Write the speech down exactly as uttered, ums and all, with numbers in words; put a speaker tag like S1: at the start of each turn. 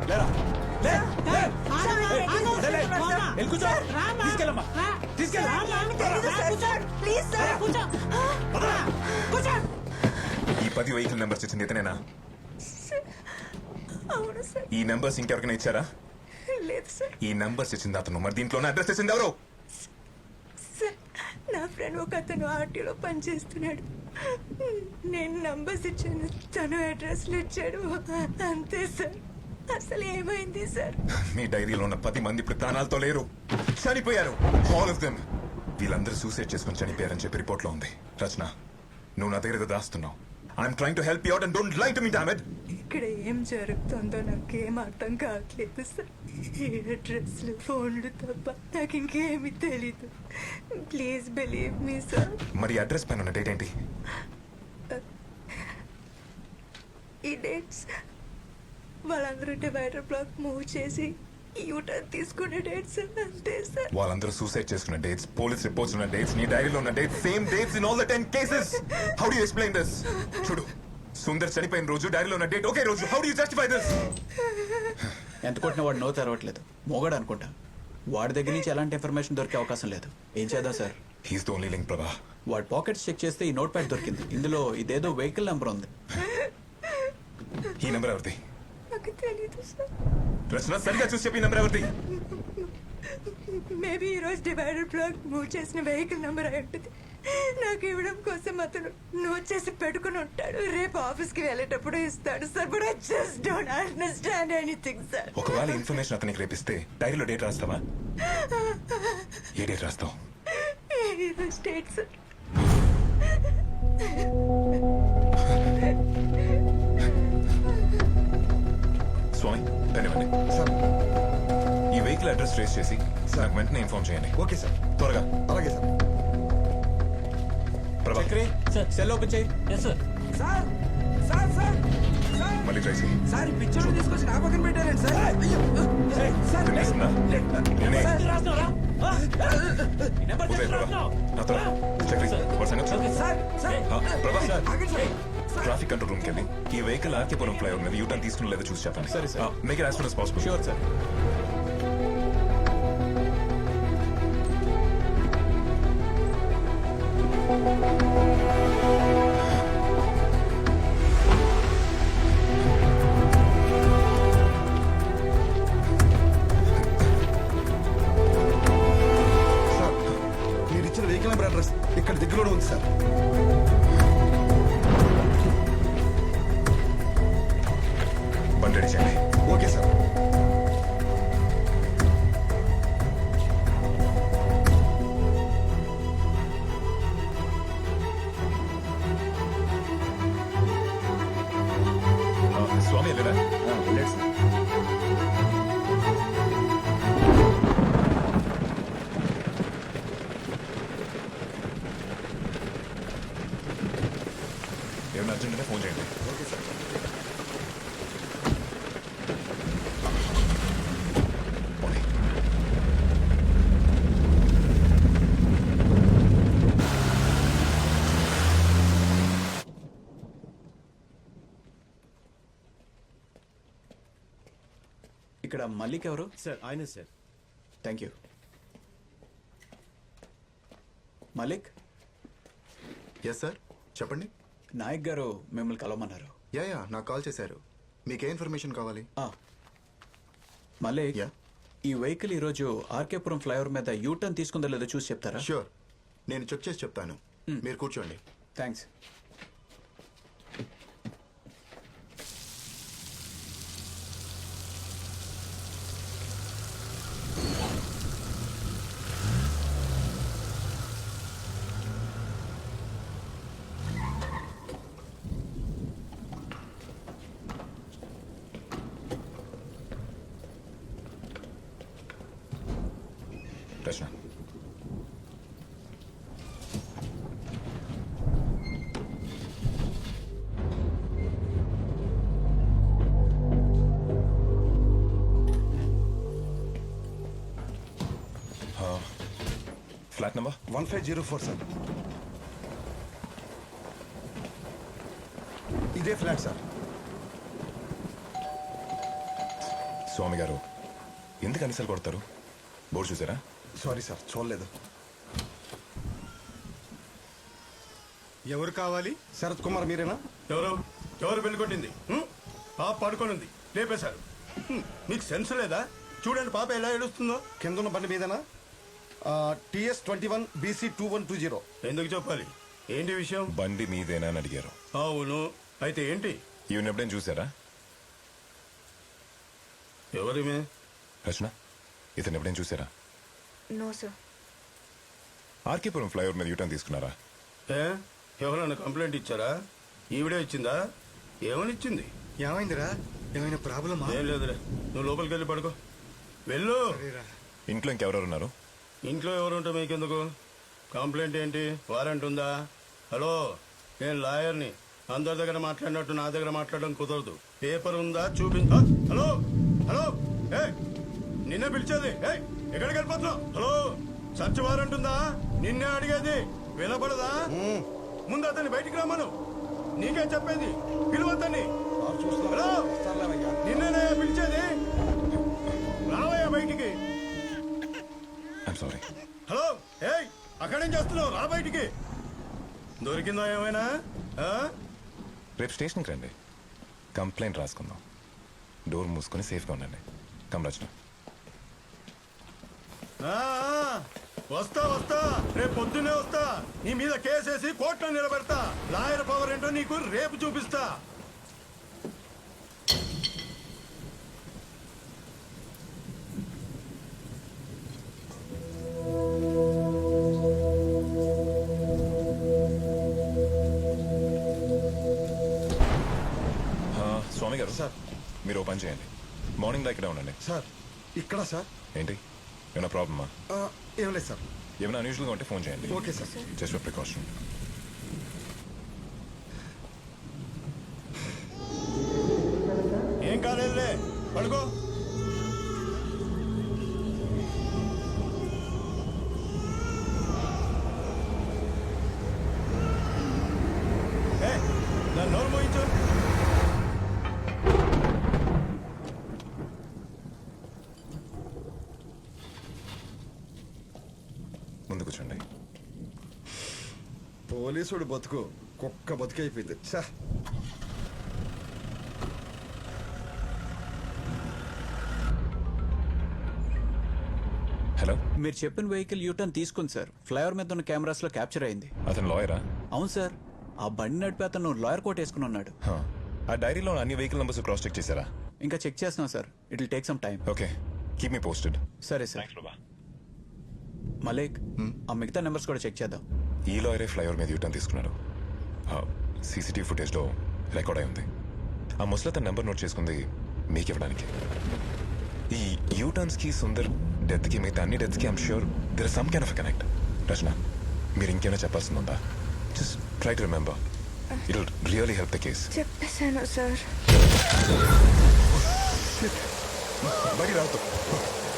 S1: లేరా లే లే కూర్చో తీసుకెళ్ళమ్మా
S2: ఈ పది వెహికల్ నెంబర్స్ ఇచ్చింది ఇతనేనా?
S3: అవును సార్.
S2: ఈ నెంబర్స్ ఇంకెవరికైనా ఇచ్చారా?
S3: లేదు సార్.
S2: ఈ నెంబర్స్ ఇచ్చింది అతను, మరి దీంట్లోనే అడ్రస్ ఇచ్చింది ఎవరు?
S3: సార్ నా ఫ్రెండ్ ఒక అతను ఆర్టీలో పనిచేస్తున్నాడు. నేను నంబర్స్ ఇచ్చాను, తను అడ్రస్లు ఇచ్చాడు, అంతే సార్. అసలు ఏమైంది సార్?
S2: మీ డైరీలో ఉన్న పది మంది ఇప్పుడు ప్రాణాలతో లేరు, చనిపోయారు. All of them. వీళ్ళందరూ సూసైడ్ చేసుకుని చనిపోయారని చెప్పి రిపోర్ట్ లో ఉంది. రచన, నువ్వు నా దగ్గర ఏదో దాస్తున్నావు. I'm trying to help you out and don't lie to me damn it.
S3: ఇక్కడ ఏం జరుగుతుందో నాకేం అర్థం కావట్లేదు సార్. ఈ అడ్రస్లు ఫోన్లు తప్ప నాకు ఇంకేమీ తెలీదు. Please believe me sir.
S2: మరి అడ్రస్ పైన ఉన్న డేట్ ఏంటి?
S3: ఈ డేట్స్ వాళ్ళందరూ డివైడర్ బ్లాక్ మూవ్ చేసి యూటర్న్ తీసుకునే డేట్స్ అంతే సార్.
S2: వాళ్ళందరూ సూసైడ్ చేసుకున్న డేట్స్, పోలీస్ రిపోర్ట్స్ ఉన్న డేట్స్, నీ డైరీలో ఉన్న dates, same dates in all the ten cases. How do you explain this? చూడు, సుందర్ చనిపోయిన రోజు డైరీలో ఉన్న డేట్ ఒకే రోజు. హౌ డు యు జస్టిఫై దిస్?
S1: ఎంత కొట్టినా వాడు నో తెరవట్లేదు. మోగాడు అనుకుంటా. వాడి దగ్గర నుంచి ఎలాంటి ఇన్ఫర్మేషన్ దొరికే అవకాశం లేదు. ఏం చేద్దాం sir?
S2: He's the only link Prabha.
S1: వాడి పాకెట్స్ చెక్ చేస్తే ఈ నోట్ ప్యాడ్ దొరికింది. ఇందులో ఇదేదో వెహికల్ నెంబర్ ఉంది.
S2: ఈ నెంబర్ ఎవరిది?
S3: నాకు తెలీదు సార్.
S2: రచన, సరిగా చూసి చెప్పి ఈ నెంబర్ ఎవరిది?
S3: మేబీ ఈ రోజు డివైడర్ బ్లాక్ మూవ్ చేసిన వెహికల్ నెంబర్ అయి ఉంటుంది. నాకు ఇవ్వడం కోసం అతను నోట్ చేసి పెట్టుకుని ఉంటాడు. రేపు ఆఫీస్ కి వెళ్ళేటప్పుడు ఇస్తాడు sir. But I just don't understand anything sir.
S2: ఒకవేళ ఇన్ఫర్మేషన్ అతనికి రేపిస్తే డైరీలో డేట్ రాస్తావా? ఏ డేట్ రాస్తావు?
S3: ఈ రోజు డేట్ సార్.
S2: స్వామి, ధన్యవాడి. ఈ వెహికల్ అడ్రస్ ట్రేస్ చేసి నాకు వెంటనే ఇన్ఫార్మ్ చేయండి.
S4: Okay sir.
S2: త్వరగా.
S4: అలాగే sir.
S2: Prabha,
S1: Chakri cell open చేయి.
S5: సార్ సార్ సార్ సార్
S2: మళ్ళీ ట్రై చేయి.
S5: సార్ ఈ పిక్చర్ తీసుకొచ్చి నా పక్కన పెట్టారండి సార్. అయ్యో సార్
S2: వినేస్తుందా? నేనే.
S1: నెంబర్
S2: ఉదయ్ ప్రభా, నా త్వర. చక్రి, వాడి సంగతి చూడు.
S5: సార్ సార్
S2: ఆ, ప్రభా,
S5: ఆగండి సార్.
S2: ట్రాఫిక్ కంట్రోల్ రూమ్కి వెళ్ళి ఈ వెహికల్ ఆర్కేపురం ఫ్లైఓవర్ మీద యూటర్న్ తీసుకుని లేదో చూసి చెప్పండి.
S1: సరే, sir.
S2: Make it as soon as possible.
S1: Sure sir.
S4: Sir, మీరు ఇచ్చిన వెహికల్ నెంబర్ అడ్రస్ ఇక్కడ దగ్గరలోనే ఉంది సార్.
S2: బండి రెడీ చేయండి.
S4: Okay sir.
S2: ఆ, స్వామి వెళ్ళరా?
S4: వెళ్ళండి సార్.
S2: ఏమన్నా అర్జెంట్గా ఫోన్ చేయండి.
S4: Okay sir.
S2: పోనీ.
S1: ఇక్కడ మల్లిక్ ఎవరు?
S5: సార్ ఆయన sir.
S1: Thank you. Malik,
S6: yes sir, చెప్పండి.
S1: నాయక్ గారు మిమ్మల్ని కలవమన్నారు.
S6: యా యా నాకు కాల్ చేశారు. మీకే ఇన్ఫర్మేషన్ కావాలి?
S1: ఆ, మలిక్,
S6: యా
S1: ఈ వెహికల్ ఈరోజు ఆర్కేపురం ఫ్లైఓవర్ మీద యూటర్న్ తీసుకుందో లేదో చూసి చెప్తారా?
S6: ష్యూర్, నేను చెక్ చేసి చెప్తాను. మీరు కూర్చోండి.
S1: Thanks.
S2: Rachana, flat number
S4: one five zero four sir. ఇదే ఫ్లాట్ సార్.
S2: స్వామి గారు ఎందుకు అనిసలు కొడతారు? బోర్డు చూసారా?
S4: సారీ సార్, చూడలేదు.
S7: ఎవరు కావాలి?
S4: శరత్ కుమార్ మీరేనా?
S7: ఎవరు ఎవరు పెళ్లి కొట్టింది? హ్మ్? పాప పడుకొని ఉంది, లేపేశారు. హ్మ్, మీకు సెన్స్ లేదా? చూడండి పాప ఎలా ఏడుస్తుందో.
S4: కింద ఉన్న బండి మీదేనా? TS twenty one BC two one two zero.
S7: ఎందుకు చెప్పాలి? ఏంటి విషయం?
S2: బండి మీదేనా అని అడిగారు.
S7: అవును, అయితే ఏంటి?
S2: ఈవెన్ ఎప్పుడైనా చూసారా?
S7: ఎవరిమే?
S2: రచన, ఇతను ఎప్పుడైనా చూసారా?
S3: No sir.
S2: ఆర్కేపురం ఫ్లైఓవర్ మీద యూటర్న్ తీసుకున్నారా?
S7: ఏ ఎవరైనా కంప్లైంట్ ఇచ్చారా? ఈవిడే ఇచ్చిందా? ఏమని ఇచ్చింది?
S5: ఏమైందిరా? ఏమైనా ప్రాబ్లమా?
S7: ఏం లేదులే, నువ్వు లోపలికి వెళ్ళి పడుకో. వెళ్ళు.
S2: ఇంట్లో ఇంకెవరెవరు ఉన్నారు?
S7: ఇంట్లో ఎవరుంటే మీకెందుకు? కంప్లైంట్ ఏంటి? వారెంట్ ఉందా? హలో, నేను లాయర్ని. అందరి దగ్గర మాట్లాడినట్టు నా దగ్గర మాట్లాడడం కుదరదు. పేపర్ ఉందా చూపించ. హలో హలో, ఏ నిన్నే పిలిచేది. ఏ ఎక్కడికి వెళ్ళిపోతున్నావు? హలో, సర్చ్ వారెంట్ ఉందా? నిన్నే అడిగేది, వినపడదా? ముందు అతన్ని బయటికి రమ్మను. నీకే చెప్పేది, పిలువతని. హలో, నిన్నే పిలిచేది. రావయ్యా బయటికి.
S2: I'm sorry.
S7: హలో, ఏయ్ అక్కడేం చేస్తున్నావు? రా బయటికి. దొరికిందా ఏమైనా? ఆ?
S2: రేపు స్టేషన్కి రండి, కంప్లైంట్ రాసుకుందాం. డోర్ మూసుకొని సేఫ్గా ఉండండి. కమ్ రచన.
S7: ఆ, ఆ, వస్తా వస్తా, రేపు పొద్దున్నే వస్తా. నీ మీద కేసేసి కోర్టులో నిలబెడతా. లాయర్ పవర్ ఏంటో నీకు రేపు చూపిస్తా.
S2: ఆ, స్వామి గారు
S4: సార్.
S2: మీరు ఓ పని చేయండి, మార్నింగ్ దా ఇక్కడే ఉండండి.
S4: సార్ ఇక్కడ సార్.
S2: ఏంటి, ఏమైనా ప్రాబ్లమా?
S4: ఆ, ఏం లేదు సార్.
S2: ఏమైనా అన్యూజువల్గా ఉంటే ఫోన్ చేయండి.
S4: Okay sir.
S2: Just for precaution.
S7: ఏం కాలేదులే, పడుకో. ఏ, నా నోరు మోయించు.
S2: ముందు కూర్చోండి.
S4: పోలీసుడు బతుకు కుక్క బతుకైపోయింది. చా.
S2: హలో,
S1: మీరు చెప్పిన వెహికల్ యూటర్న్ తీసుకుంది సార్. ఫ్లైఓవర్ మీద ఉన్న కెమెరాస్ లో క్యాప్చర్ అయింది.
S2: అతను లాయరా?
S1: అవును సార్, ఆ బండి నడిపి అతను లాయర్ కోట్ వేసుకుని ఉన్నాడు.
S2: హా. ఆ డైరీలో అన్ని వెహికల్ నెంబర్స్ క్రాస్ చెక్ చేశారా?
S1: ఇంకా చెక్ చేస్తున్నాం sir. It will take some time.
S2: Okay, keep me posted.
S1: సరే సార్. మలేక్, ఆ మిగతా నెంబర్స్ కూడా చెక్ చేద్దాం.
S2: ఈ లాయరే ఫ్లైఓవర్ మీద యూటర్న్ తీసుకున్నాడు. సీసీటీవీ ఫుటేజ్లో రికార్డ్ అయి ఉంది. ఆ ముసలి తన నెంబర్ నోట్ చేసుకుంది మీకు ఇవ్వడానికి. ఈ యూటర్న్స్కి సుందర్ డెత్కి మిగతా అన్ని డెత్స్కి I'm sure there is some kind of connect. Rachana, మీరు ఇంకేమైనా చెప్పాల్సింది ఉందా? Just try to remember, it will really help the case.
S3: చెప్పేశాను సార్.
S2: బయట రావద్దు.